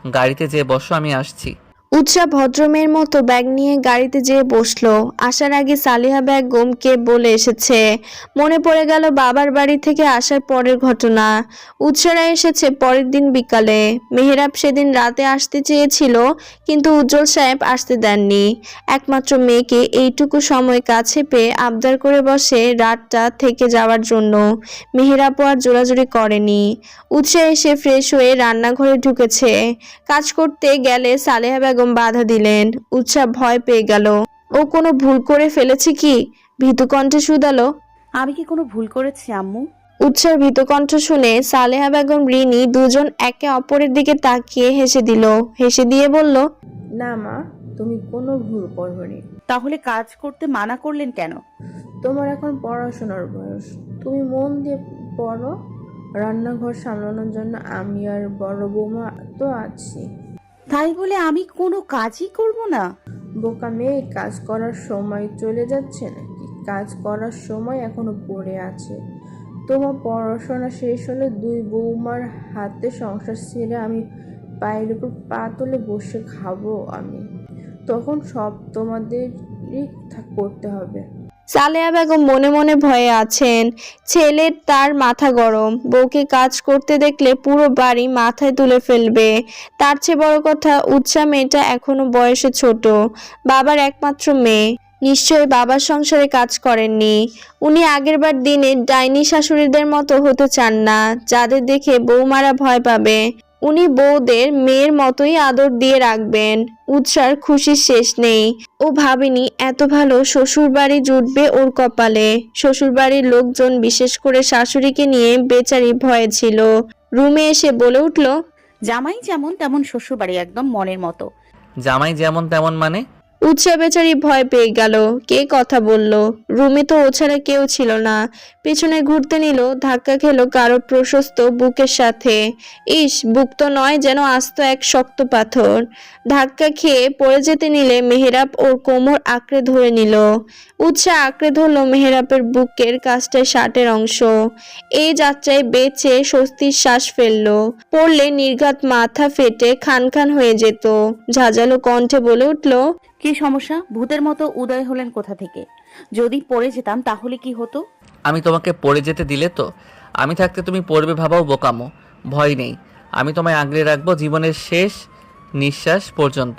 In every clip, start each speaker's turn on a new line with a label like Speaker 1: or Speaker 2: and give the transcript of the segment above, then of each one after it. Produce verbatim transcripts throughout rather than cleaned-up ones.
Speaker 1: গাড়িতে যেয়ে বসো, আমি আসছি।
Speaker 2: উৎসা ভদ্রমের মতো ব্যাগ নিয়ে গাড়িতে যেয়ে বসলো। আসার আগে সালিহা বেগমকে বলে এসেছে। মনে পড়ে গেল বাবার বাড়ি থেকে আসার পরের ঘটনা। উৎসারা এসেছে পরের দিন বিকালে। মেহেরাব সেদিন রাতে আসতে চেয়েছিল, কিন্তু উজ্জ্বল সাহেব আসতে দেননি। একমাত্র মেয়েকে এইটুকু সময় কাছে পেয়ে আবদার করে বসে রাতটা থেকে যাওয়ার জন্য। মেহেরাবও আর জোরাজুরি করেনি। উৎসা এসে ফ্রেশ হয়ে রান্নাঘরে ঢুকেছে। কাজ করতে গেলে সালেহা বেগম বাধা দিলেন। উৎসা ভয় পেয়ে গেল। ও কোনো ভুল করে ফেলেছে কি? ভীতু কণ্ঠে শুধালো।
Speaker 3: আমি কি কোনো ভুল করেছি আম্মু?
Speaker 2: উৎসার ভীত কণ্ঠ শুনে সালেহা বেগম রিনি দুজন একে অপরের দিকে তাকিয়ে হেসে দিল। হেসে দিয়ে বলল,
Speaker 4: না মা, তুমি কোনো ভুল করোনি।
Speaker 3: তাহলে কাজ করতে মানা করলেন কেন?
Speaker 4: তোমার এখন পড়াশোনার বয়স, তুমি মন দিয়ে পড়ো। রান্নাঘর সামলানোর জন্য আমি আর বড় বৌমা তো আছি।
Speaker 3: তাই বলে আমি কোনো কাজই করব না?
Speaker 4: বোকা মেয়ে, কাজ করার সময় চলে যাচ্ছে নাকি? কাজ করার সময় এখনো পড়ে আছে। তোমার পড়াশোনা শেষ হলে দুই বৌমার হাতে সংসার ছেড়ে আমি পায়ের উপর পা তুলে বসে খাবো আমি। তখন সব তোমাদেরই করতে হবে।
Speaker 2: সালেহা বেগম মনে মনে ভয়ে আছেন। ছেলের তার মাথা গরম, বউকে কাজ করতে দেখলে পুরো বাড়ি মাথায় তুলে ফেলবে। তার চেয়ে বড় কথা, উৎসা মেয়েটা এখনো বয়সে ছোট, বাবার একমাত্র মেয়ে। নিশ্চয়ই বাবার সংসারে কাজ করেননি। উনি আগেরবার দিনে ডাইনি শাশুড়িদের মতো হতে চান না, যাদের দেখে বৌমারা ভয় পাবে। উনি বউদের মেয়ের মতোই আদর দিয়ে রাখবেন। উৎসার খুশির শেষ নেই। ও ভাবেনি এত ভালো শ্বশুর বাড়ি জুটবে ওর কপালে। শ্বশুর বাড়ির লোকজন, বিশেষ করে শাশুড়িকে নিয়ে বেচারি ভয়ে ছিল। রুমে এসে বলে উঠল,
Speaker 3: জামাই যেমন তেমন শ্বশুর বাড়ি একদম মনের মতো।
Speaker 1: জামাই যেমন তেমন মানে?
Speaker 2: উৎসা বেচারি ভয় পেয়ে গেল। কে কথা বলল? রুমে তো ও ছাড়া কেউ ছিল না। পেছনে ঘুরতে নিল, ধাক্কা খেলো কারো প্রশস্ত বুকের সাথে। ইস, বুক তো নয়, যেন আস্ত এক শক্ত পাথর। ধাক্কা খেয়ে পড়ে যেতে নিলে মেহেরাব ওর কোমর আঁকড়ে ধরে নিল। উৎসা আঁকড়ে ধরল মেহেরাবের বুকের কাছটায় শার্টের অংশ। এই যাত্রায় বেঁচে স্বস্তির শ্বাস ফেলল। পড়লে নির্ঘাত মাথা ফেটে খান খান হয়ে যেত। ঝাঁঝালো কণ্ঠে বলে উঠল,
Speaker 3: কি সমস্যা? ভূতের মতো উদয় হলেন কোথা থেকে? যদি পড়ে যেতাম তাহলে কি হতো?
Speaker 1: আমি তোমাকে পড়ে যেতে দিলে তো? আমি থাকতে তুমি পড়বে ভাবাও বোকামো। ভয় নেই, আমি তোমায় আগলে রাখবো জীবনের শেষ নিঃশ্বাস পর্যন্ত।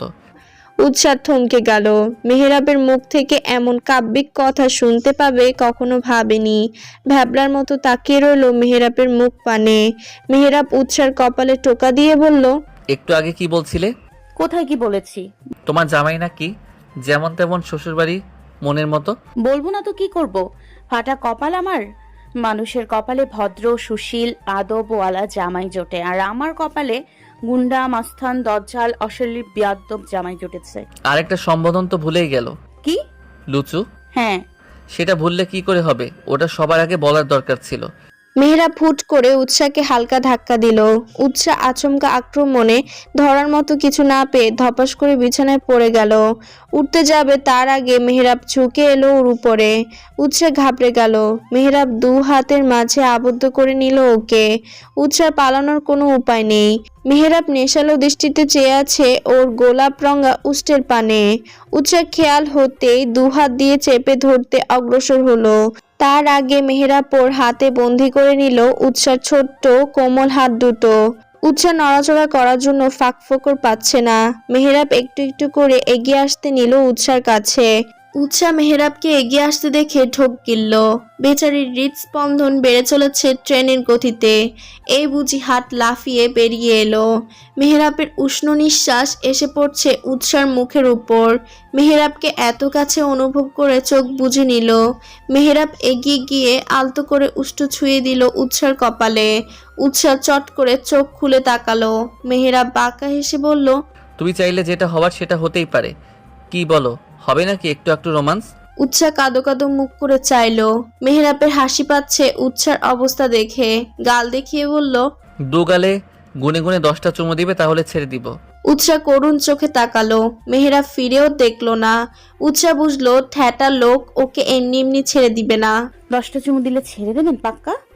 Speaker 2: উৎসাহ থমকে গেল। মেহেরাবের মুখ থেকে এমন কাব্যিক কথা শুনতে পাবে কখনো ভাবেনি। ভ্যাবলার মতো তাকিয়ে রইল মেহেরাবের মুখ পানে। মেহেরাব উৎসার কপালে টোকা দিয়ে বলল,
Speaker 1: একটু আগে কি বলছিলে?
Speaker 3: কোথায় কি বলেছি?
Speaker 1: তোমার জামাই নাকি যেমন তেমন শ্বশুরবাড়ি মনের মতো?
Speaker 3: বলবো না তো কি করব? ফাটা কপাল আমার। মানুষের কপালে ভদ্র সুশীল আদবওয়ালা জামাই জোটে, আর আমার কপালে গুন্ডা মাস্তান দজ্জাল অশলীল বিয়াদ্দব জামাই জুটেছে।
Speaker 1: আরেকটা সম্বোধন তো ভুলেই গেল।
Speaker 3: কি?
Speaker 1: লুচু।
Speaker 3: হ্যাঁ।
Speaker 1: সেটা ভুললে কি করে হবে? ওটা সবার আগে বলার দরকার ছিল।
Speaker 2: মেহেরাব ফুট করে উৎসাকে হালকা ধাক্কা দিল। উৎসা আচমকা আক্রমণে ধরার মতো কিছু না পেয়ে ধপাস করে বিছানায় পড়ে গেল। উঠতে যাবে তার আগে মেহেরাব ঝুঁকে এলো ওর উপরে। উৎসা ঘাবড়ে গেল। মেহেরাব দু হাতের মাঝে আবদ্ধ করে নিল ওকে। উৎসার পালানোর কোনো উপায় নেই। মেহেরাব নেশালো দৃষ্টিতে চেয়ে আছে ওর গোলাপ রঙা উষ্টের পানে। উৎসার খেয়াল হতেই দু হাত দিয়ে চেপে ধরতে অগ্রসর হলো। তার আগে মেহেরাব ওর হাতে বন্দি করে নিল উৎসার ছোট্ট কোমল হাত দুটো। উৎসা নড়াচড়া করার জন্য ফাঁকফোকর পাচ্ছে না। মেহেরাব একটু একটু করে এগিয়ে আসতে নিল উৎসার কাছে। উৎসা মেহেরাবকে এগিয়ে আসতে দেখে ঢোক গিলল। বেচারির হৃদস্পন্দন বেড়ে চলেছে ট্রেনের গতিতে। এই বুঝি হাত লাফিয়ে বেরিয়ে এলো। মেহেরাবের উষ্ণ নিঃশ্বাস এসে পড়ছে উৎসার মুখের উপর। মেহেরাবকে এত কাছে অনুভব করে চোখ বুজে নিল। মেহেরাব এগিয়ে গিয়ে আলতো করে উষ্ঠ ছুঁয়ে দিল উৎসার কপালে। উৎসা চট করে চোখ খুলে তাকালো। মেহেরাব বাঁকা হেসে বলল,
Speaker 1: তুমি চাইলে যেটা হওয়ার সেটা হতেই পারে। কি বলো, হবে নাকি একটু একটু রোমান্স?
Speaker 2: উৎসা কাদো কাদো মুখ করে চাইলো। মেহেরাবের হাসি পাচ্ছে উৎসার অবস্থা দেখে। গাল দেখিয়ে বলল,
Speaker 1: দু গালে গুনে গুনে দশটা চুমু দিবে, তাহলে ছেড়ে দিব।
Speaker 2: উৎসা করুণ চোখে তাকালো। মেহেরাব ফিরেও দেখলো না। উৎসা বুঝলো ঠ্যাটা লোক ওকে এমনি এমনি ছেড়ে দিবে না।
Speaker 3: দশটা চুমু দিলে ছেড়ে দেবেন পাক্কা?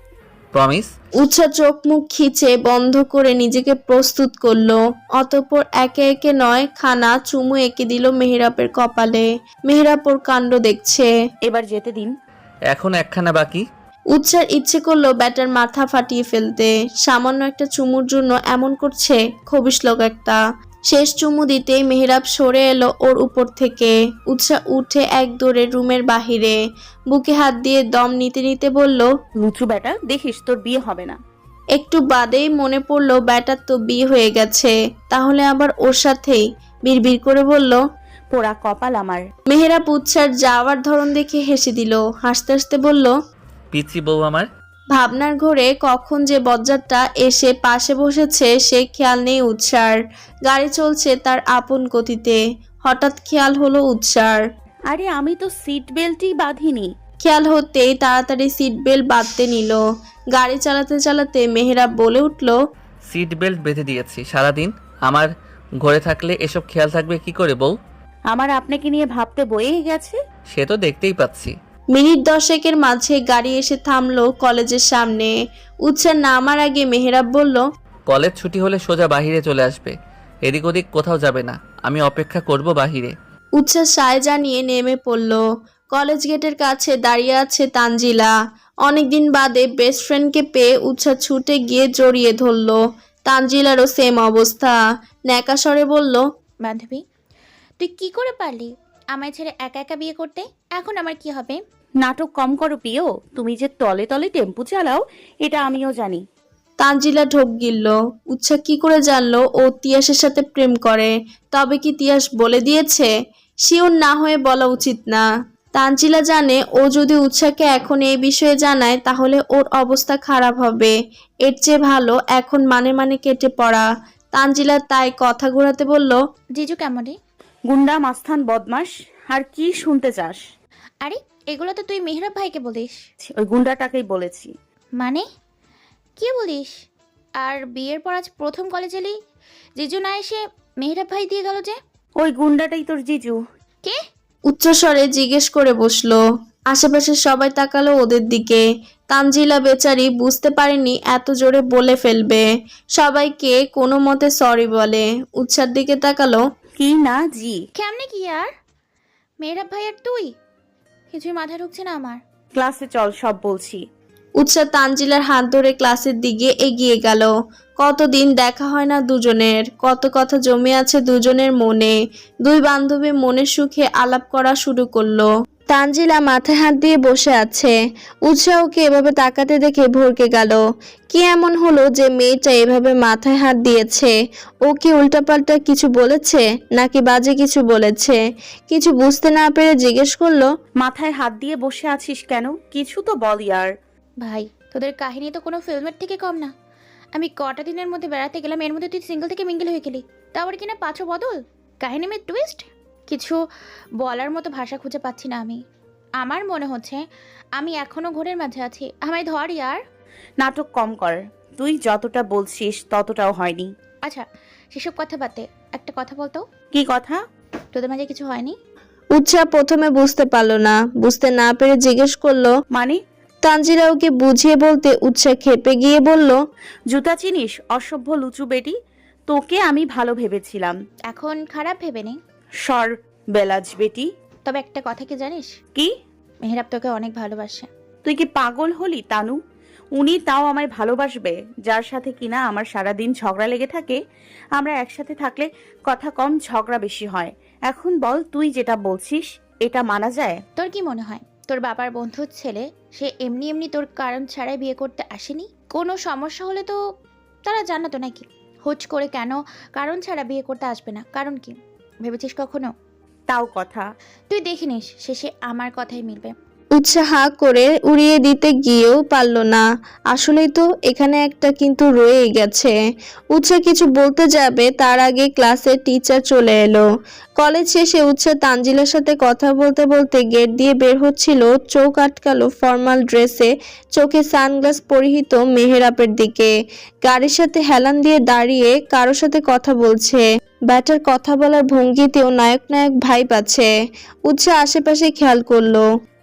Speaker 1: প্রমিস?
Speaker 2: উৎসা চোখ মুখ খিচে বন্ধ করে নিজেকে প্রস্তুত করলো। অতঃপর একে একে নয় খানা চুমু এঁকে দিল মেহেরাবের কপালে। মেহেরাব ওর কাণ্ড দেখছে।
Speaker 3: এবার যেতে দিন।
Speaker 1: এখন একখানা বাকি।
Speaker 2: উৎসার ইচ্ছে করলো ব্যাটার মাথা ফাটিয়ে ফেলতে। সামান্য একটা চুমুর জন্য এমন করছে, খবিশ লোক একটা। শেষ চুমু দিতেই মেহেরাব সরে এলো ওর উপর থেকে। উৎসা উঠে এক দৌড়ে রুমের বাহিরে। বুকে হাত দিয়ে দম নিতে নিতে বলল,
Speaker 3: লুচু বেটা, দেখিস তোর বিয়ে হবে না।
Speaker 2: একটু বাদেই মনে পড়লো ব্যাটার তো বিয়ে হয়ে গেছে, তাহলে আবার ওর সাথেই। বিড়বিড় করে বলল,
Speaker 3: পোড়া কপাল আমার।
Speaker 2: মেহেরাব উৎসার যাওয়ার ধরন দেখে হেসে দিল। হাসতে হাসতে বলল,
Speaker 1: পিচ্ছি বউ আমার।
Speaker 2: ভাবনার ঘোরে কখন যে বজ্জারটা এসে পাশে বসেছে সে খেয়াল নেই উৎসার। গাড়ি চলছে তার আপন গতিতে। হঠাৎ খেয়াল হলো উৎসার।
Speaker 3: আরে আমি তো সিট বেল্টই বাঁধিনি।
Speaker 2: খেয়াল হতেই তাড়াতাড়ি সিট বেল্ট বাঁধতে নিল। গাড়ি চালাতে চালাতে মেহেরাব বলে উঠল,
Speaker 1: সিট বেল্ট বেঁধে দিয়েছি। সারাদিন আমার ঘরে থাকলে এসব খেয়াল থাকবে কি করে বউ?
Speaker 3: আমার আপনাকে নিয়ে ভাবতে বয়ে গেছে।
Speaker 1: সে তো দেখতেই পাচ্ছি।
Speaker 2: মিনিট দশেকের মাঝে গাড়ি এসে থামলো কলেজের সামনে। উৎসার নামার আগে মেহেরাব বলল,
Speaker 1: কলেজ ছুটি হলে সোজা বাহিরে চলে আসবে, এদিক ওদিক কোথাও যাবে না। আমি অপেক্ষা করব বাহিরে।
Speaker 2: উৎসাহ সায় জানিয়ে নেমে পড়ল। কলেজ গেটের কাছে দাঁড়িয়ে আছে তানজিলা। অনেকদিন বাদে বেস্ট ফ্রেন্ডকে পেয়ে উৎসাহ ছুটে গিয়ে জড়িয়ে ধরল। তানজিলারও সেম অবস্থা। ন্যাকা স্বরে বলল,
Speaker 5: বান্ধবী, তুই কি করে পারলি আমায় ছেড়ে একা একা বিয়ে করতে? এখন আমার কি হবে?
Speaker 3: নাটক কম করো প্রিয়, তুমি যে তলে তলে টেম্পু চালাও এটা আমিও জানি।
Speaker 2: তানজিলা ঢোক গিলল। উৎসাহ কি করে জানলো ও তিয়াসের সাথে প্রেম করে? তবে কি তিয়াস বলে দিয়েছে? শিওর না হয়ে বলা উচিত না। তানজিলা জানে ও যদি উৎসাহকে এখন এই বিষয়ে জানায় তাহলে ওর অবস্থা খারাপ হবে। এর চেয়ে ভালো এখন মানে মানে কেটে পড়া। তানজিলা তাই কথা ঘোরাতে বলল,
Speaker 5: জিজু কেমন রে?
Speaker 3: গুন্ডা মাস্তান বদমাস, আর কি শুনতে চাস?
Speaker 5: আরে এগুলো তো তুই মেহরাব ভাইকে বলিস।
Speaker 3: ওই গুন্ডাটাকেই বলেছি।
Speaker 5: মানে কি বলিস? আর বিয়ের পর আজ প্রথম কলেজে এলি, জিজু না এসে মেহরাব ভাই দিয়ে গেল যে?
Speaker 3: ওই গুন্ডাটাই তোর জিজু।
Speaker 5: কে?
Speaker 2: উচ্চস্বরে জিজ্ঞেস করে বসলো। আশেপাশে সবাই তাকালো ওদের দিকে। তানজিলা বেচারি বুঝতে পারেনি এত জোরে বলে ফেলবে। সবাইকে কোনো মতে সরি বলে। উৎসার দিকে তাকালো।
Speaker 3: কি না জি?
Speaker 5: কেমনে কি আর? মেহরাব ভাই আর তুই? কিছুই মাথায় ঢুকছে না আমার।
Speaker 3: ক্লাসে চল, সব বলছি।
Speaker 2: উৎসাহ তানজিলার হাত ধরে ক্লাসের দিকে এগিয়ে গেল। কতদিন দেখা হয় না দুজনের, কত কথা জমে আছে দুজনের মনে। দুই বান্ধবী মনের সুখে আলাপ করা শুরু করলো। তানজিলা মাথায় হাত দিয়ে বসে আছে। উৎসাহকে এভাবে তাকাতে দেখে ভরকে গেল। কি এমন হলো যে মেয়েটা এভাবে মাথায় হাত দিয়েছে? ও কি উল্টাপাল্টা কিছু বলেছে নাকি বাজে কিছু বলেছে? কিছু বুঝতে না পেরে জিজ্ঞেস করলো,
Speaker 3: মাথায় হাত দিয়ে বসে আছিস কেন? কিছু তো বল ইয়ার।
Speaker 5: ভাই তোদের কাহিনী তো কোনো ফিল্মের থেকে কম না। আমি কটা দিনের মধ্যে বেড়াতে গেলাম, এর মধ্যে তুই সিঙ্গেল থেকে মিঙ্গেল হয়ে গেলি। তারপর কিনা পাঁচও বদল, কাহিনী মে টুইস্ট। কিছু বলার মতো ভাষা খুঁজে পাচ্ছি না আমি। আমার মনে হচ্ছে আমি এখনো ঘোরের মাঝে আছি। আমায় ধর ইয়ার।
Speaker 3: নাটক কম কর। তুই যতটা বলছিস ততটাও হয়নি।
Speaker 5: আচ্ছা সেসব কথা বাদে একটা কথা বলতো।
Speaker 3: কি কথা?
Speaker 5: তোদের মাঝে কিছু হয়নি?
Speaker 2: উৎসাহ প্রথমে বুঝতে পারলো না। বুঝতে না পেরে জিজ্ঞেস করলো।
Speaker 3: মানে?
Speaker 2: তানজিলা ওকে বুঝিয়ে বলতে উৎসাহ খেপে গিয়ে বলল,
Speaker 3: জুতা চিনিস অসভ্য লুচু বেটি? তোকে আমি ভালো ভেবেছিলাম।
Speaker 5: এখন খারাপ ভেবে নেই।
Speaker 3: সর বেলাজ বেটি।
Speaker 5: তবে একটা কথা কি জানিস?
Speaker 3: কি?
Speaker 5: মেহরাব তোকে অনেক ভালোবাসে।
Speaker 3: তুই কি পাগল হলি তানু? উনি তাও আমায় ভালোবাসবে, যার সাথে কিনা আমার সারাদিন ঝগড়া লেগে থাকে। আমরা একসাথে থাকলে কথা কম ঝগড়া বেশি হয়। এখন বল, তুই যেটা বলছিস এটা মানা যায়?
Speaker 5: তোর কি মনে হয় তোর বাবার বন্ধুর ছেলে সে এমনি এমনি তোর কারণ ছাড়াই বিয়ে করতে আসেনি? কোনো সমস্যা হলে তো তারা জানাতো নাকি? হুট করে কেন কারণ ছাড়া বিয়ে করতে আসবে না? কারণ কি ভেবেছিস কখনো?
Speaker 3: তাও কথা।
Speaker 5: তুই দেখে নিস শেষে আমার কথাই মিলবে।
Speaker 2: উৎসাহ করে উড়িয়ে দিতে গিয়েও পারল না। আসলেই তো এখানে একটা কিন্তু রয়ে গেছে। উৎসাহ কিছু বলতে যাবে তার আগে ক্লাসের টিচার চলে এলো। কলেজ শেষে উৎসাহ তানজিলার সাথে কথা বলতে বলতে গেট দিয়ে বের হচ্ছিল, চোখ আটকালো ফর্মাল ড্রেসে, চোখে সানগ্লাস পরিহিত মেহেরাবের দিকে। গাড়ির সাথে হেলান দিয়ে দাঁড়িয়ে কারোর সাথে কথা বলছে। ব্যাটার কথা বলার ভঙ্গিতেও নায়ক নায়ক ভাইব আছে। উৎসাহ আশেপাশে খেয়াল করলো।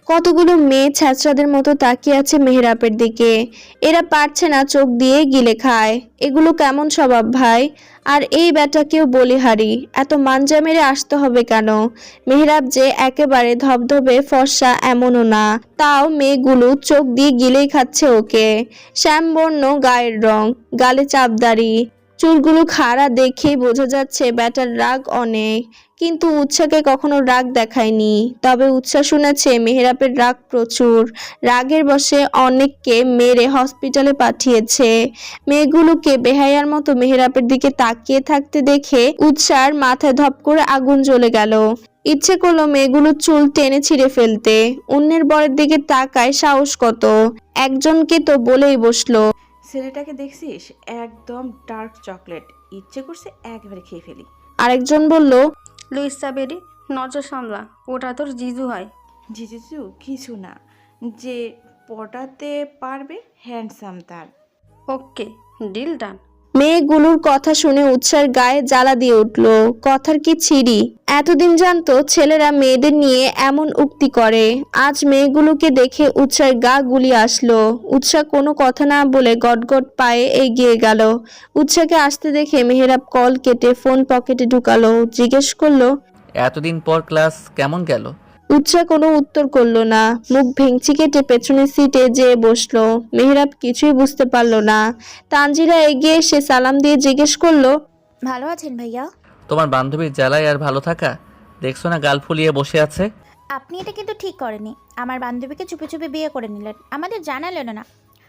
Speaker 2: কতগুলো মেয়ে ছ্যাঁচড়াদের মতো তাকিয়ে আছে মেহেরাবের দিকে। এরা পারছে না চোখ দিয়ে গিলে খায়। এগুলো কেমন স্বভাব ভাই? আর এই ব্যাটাকেও বলিহারি, এত মাঞ্জা মেরে আসতে হবে কেন? মেহেরাব যে একেবারে ধবধবে ফর্সা এমনও না, তাও মেয়েগুলো চোখ দিয়ে গিলেই খাচ্ছে ওকে। শ্যামবর্ণ গায়ের রং, গালে চাপদাড়ি, চুলগুলো খাড়া দেখেই বোঝা যাচ্ছে ব্যাটার রাগ অনেক। কিন্তু উৎসাকে কখনো রাগ দেখায়নি, তবে উৎসা শুনেছে মেহেরাবের রাগ প্রচুর। রাগের বশে অনেককে মেরে হসপিটালে পাঠিয়েছে। মেয়েগুলোকে বেহায়ার মতো মেহেরাবের দিকে তাকিয়ে থাকতে দেখে উৎসার মাথায় ধপ করে আগুন জ্বলে গেল। ইচ্ছে করলো মেয়েগুলোর চুল টেনে ছিঁড়ে ফেলতে। অন্যের বরের দিকে তাকায় সাহস কত! একজনকে তো বলেই বসলো,
Speaker 6: ছেলেটাকে দেখছিস, একদম ডার্ক চকলেট, ইচ্ছে করছে একবারে খেয়ে ফেলি।
Speaker 2: আরেকজন বলল,
Speaker 7: লুইসা বেরি, নজর সামলা, ওটা তোর জিজু হয়।
Speaker 6: জিজু কিছু না, যে পটাতে পারবে হ্যান্ডসাম তার।
Speaker 7: ওকে, ডিল ডান।
Speaker 2: মেয়েগুলোর কথা শুনে উৎসার গায়ে জ্বালা দিয়ে উঠল। কথার কি ছিরি! এতদিন জানতো ছেলেরা মেয়েদের নিয়ে এমন উক্তি করে, আজ মেয়েগুলোকে দেখে উৎসার গা গুলিয়ে আসলো। উৎসা কোনো কথা না বলে গটগট পায়ে এগিয়ে গেল। উৎসাকে আসতে দেখে মেহেরাব কল কেটে ফোন পকেটে ঢুকালো। জিজ্ঞেস করলো,
Speaker 1: এতদিন পর ক্লাস কেমন গেল?
Speaker 2: উৎসা কোনো উত্তর করলো না, মুখ ভেঙচি কেটে পেছনের সিটে যেয়ে বসলো। মেহেরাব কিছুই বুঝতে পারলো না। তানজিরা এগিয়ে এসে সালাম দিয়ে জিজ্ঞেস করলো,
Speaker 5: ভালো আছেন ভাইয়া?
Speaker 1: তোমার বান্ধবীর জ্বালায় আর ভালো থাকা? দেখছো না গাল ফুলিয়ে বসে আছে।
Speaker 5: আপনি এটা কিন্তু ঠিক করেনি। আমার বান্ধবীকে চুপে চুপে বিয়ে করে নিলেন, আমাদের জানালেন না।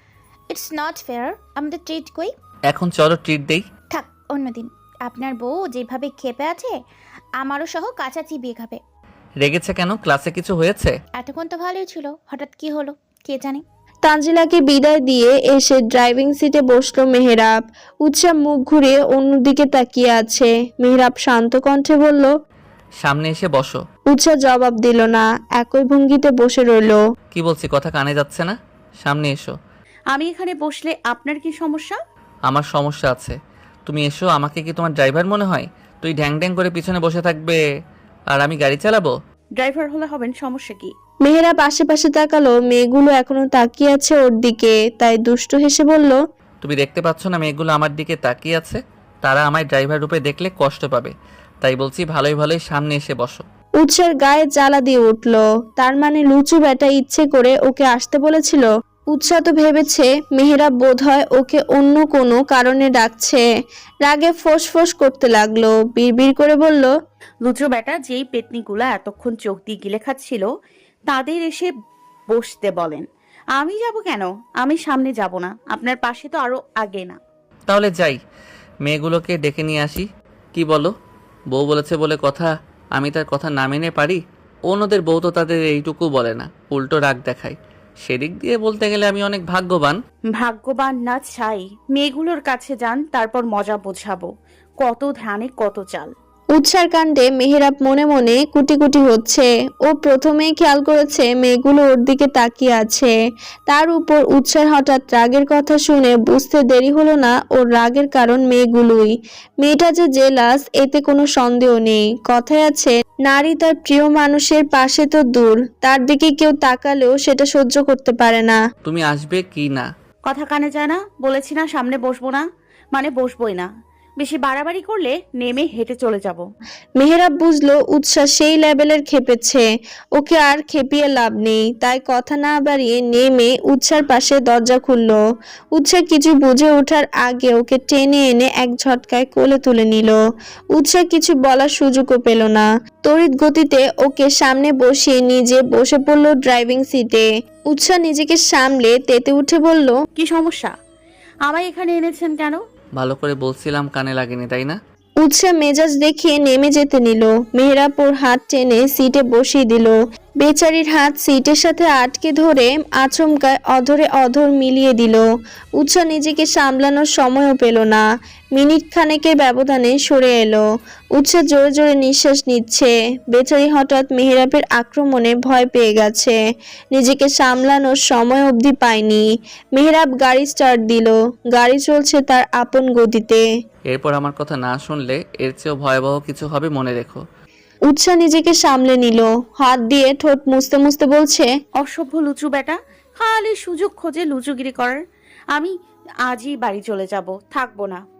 Speaker 5: It's not fair. আমাদের ট্রিট কই?
Speaker 1: এখন চলো ট্রিট দেই।
Speaker 5: থাক, অন্যদিন। আপনার বউ যেভাবে ক্ষেপে আছে, আমারও সহ কাঁচা চিবিয়ে খাবে।
Speaker 1: রেগেছে কেন? ক্লাসে কিছু হয়েছে?
Speaker 5: এতক্ষণ তো ভালোই ছিল, হঠাৎ কি হলো কে জানে।
Speaker 2: তানজিলাকে বিদায় দিয়ে এসে ড্রাইভিং সিটে বসলো মেহেরাব। উৎসা মুখ ঘুরিয়ে অন্যদিকে তাকিয়ে আছে। মেহেরাব শান্ত কণ্ঠে বলল,
Speaker 1: সামনে এসে বসো।
Speaker 2: উৎসা জবাব দিল না, একই ভঙ্গিতে বসে রইল।
Speaker 1: কি বলছি কথা কানে যাচ্ছে না? সামনে এসো।
Speaker 3: আমি এখানে বসলে আপনার কি সমস্যা?
Speaker 1: আমার সমস্যা আছে। তুমি এসো। আমাকে কি তোমার ড্রাইভার মনে হয়? তুই ঢ্যাং ঢ্যাং করে পিছনে বসে থাকবে আর আমি গাড়ি চালাবো?
Speaker 3: ড্রাইভার হলে হবেন, সমস্যা কি?
Speaker 2: মেহেরাব আশেপাশে তাকালো, মেয়েগুলো এখনো তাকিয়ে আছে ওর দিকে, তাই দুষ্টু হেসে বলল,
Speaker 1: তুমি দেখতে পাচ্ছ না মেয়েগুলো আমার দিকে তাকিয়ে আছে? তারা আমায় ড্রাইভার রূপে দেখলে কষ্ট পাবে, তাই বলছি ভালোই ভালোই সামনে এসে বসো।
Speaker 2: উৎসার গায়ে জ্বালা দিয়ে উঠল। তার মানে লুচু বেটা ইচ্ছে করে ওকে আসতে বলেছিল। উৎসা তো ভেবেছে মেহেরাব বোধহয় ওকে অন্য কোনো কারণে ডাকছে। রাগে ফোঁস ফোঁস করতে লাগলো, বিড়বিড় করে বলল,
Speaker 3: লুচো বেটা যেই পেতনিগুলা এতক্ষণ চোখ দিয়ে গিলে খাচ্ছিল, তাদের এসে বসতে বলেন। আমি যাব কেন? আমি সামনে যাব না, আপনার পাশে তো আরো আগে না।
Speaker 1: তাহলে যাই, মেয়েগুলোকে ডেকে নিয়ে আসি। কি বলো? বউ বলেছে বলে কথা, আমি তার কথা না মেনে পারি? অন্যদের বউ তো তাদের এইটুকু বলে না, উল্টো রাগ দেখায়। সেদিক দিয়ে বলতে গেলে আমি অনেক ভাগ্যবান।
Speaker 3: ভাগ্যবান না চাই, মেয়েগুলোর কাছে যান, তারপর মজা বোঝাবো। কত ধানে কত চাল।
Speaker 2: উৎসার কাণ্ডে মেহেরাব মনে মনে কুটি কুটি হচ্ছে। ও প্রথমেই খেয়াল করেছে মেয়েগুলো ওর দিকে তাকিয়ে আছে। তার উপর উৎসার হঠাৎ রাগের কথা শুনে বুঝতে দেরি হলো না ওর রাগের কারণ মেয়েগুলোই। মেয়েটা যে জেলাস এতে কোনো সন্দেহ নেই। কথায় আছে, নারী তার প্রিয় মানুষের পাশে তো দূর, তার দিকে কেউ তাকালেও সেটা সহ্য করতে পারে না।
Speaker 1: তুমি আসবে কি না?
Speaker 3: কথা কানে যায় না? বলেছি না সামনে বসবো না, মানে বসবোই না। বেশি বাড়াবাড়ি করলে নেমে হেঁটে চলে যাব।
Speaker 2: মেহেরাব বুঝলো উৎসাহ সেই লেভেলের খেপেছে, ওকে আর খেপিয়ে লাভ নেই। তাই কথা না বাড়িয়ে নেমে উৎসার পাশে দরজা খুললো। উৎসাহ কিছু বুঝে ওঠার আগে ওকে টেনে এনে এক ঝটকায় কোলে তুলে নিল। উৎসাহ কিছু বলার সুযোগও পেল না। তড়িৎ গতিতে ওকে সামনে বসিয়ে নিজে বসে পড়লো ড্রাইভিং সিটে। উৎসাহ নিজেকে সামলে তেতে উঠে বলল,
Speaker 3: কি সমস্যা? আমায় এখানে এনেছেন কেন?
Speaker 1: ভালো করে বলছিলাম, কানে লাগেনি তাই না?
Speaker 2: উৎসাহ মেজাজ দেখিয়ে নেমে যেতে নিল। মেহেরাব ওর হাত টেনে সিটে বসিয়ে দিল। বেচারির হাত সিটের সাথে আটকে ধরে আচমকায় অধরে অধর মিলিয়ে দিল। উৎসাহ নিজেকে সামলানোর সময়ও পেল না। মিনিট খানেকের ব্যবধানে সরে এলো। উৎসাহ জোরে জোরে নিঃশ্বাস নিচ্ছে। বেচারি হঠাৎ মেহেরাবের আক্রমণে ভয় পেয়ে গেছে, নিজেকে সামলানোর সময় অবধি পায়নি। মেহেরাব গাড়ি স্টার্ট দিল। গাড়ি চলছে তার আপন গতিতে।
Speaker 1: এরপর আমার কথা না শুনলে এর চেয়েও ভয়াবহ কিছু হবে, মনে রেখো।
Speaker 2: উৎসা নিজেকে সামলে নিল, হাত দিয়ে ঠোঁট মুছতে মুছতে বলছে,
Speaker 3: অসভ্য লুচু বেটা, খালি সুযোগ খোঁজে লুচুগিরি করার। আমি আজই বাড়ি চলে যাব, থাকবো না।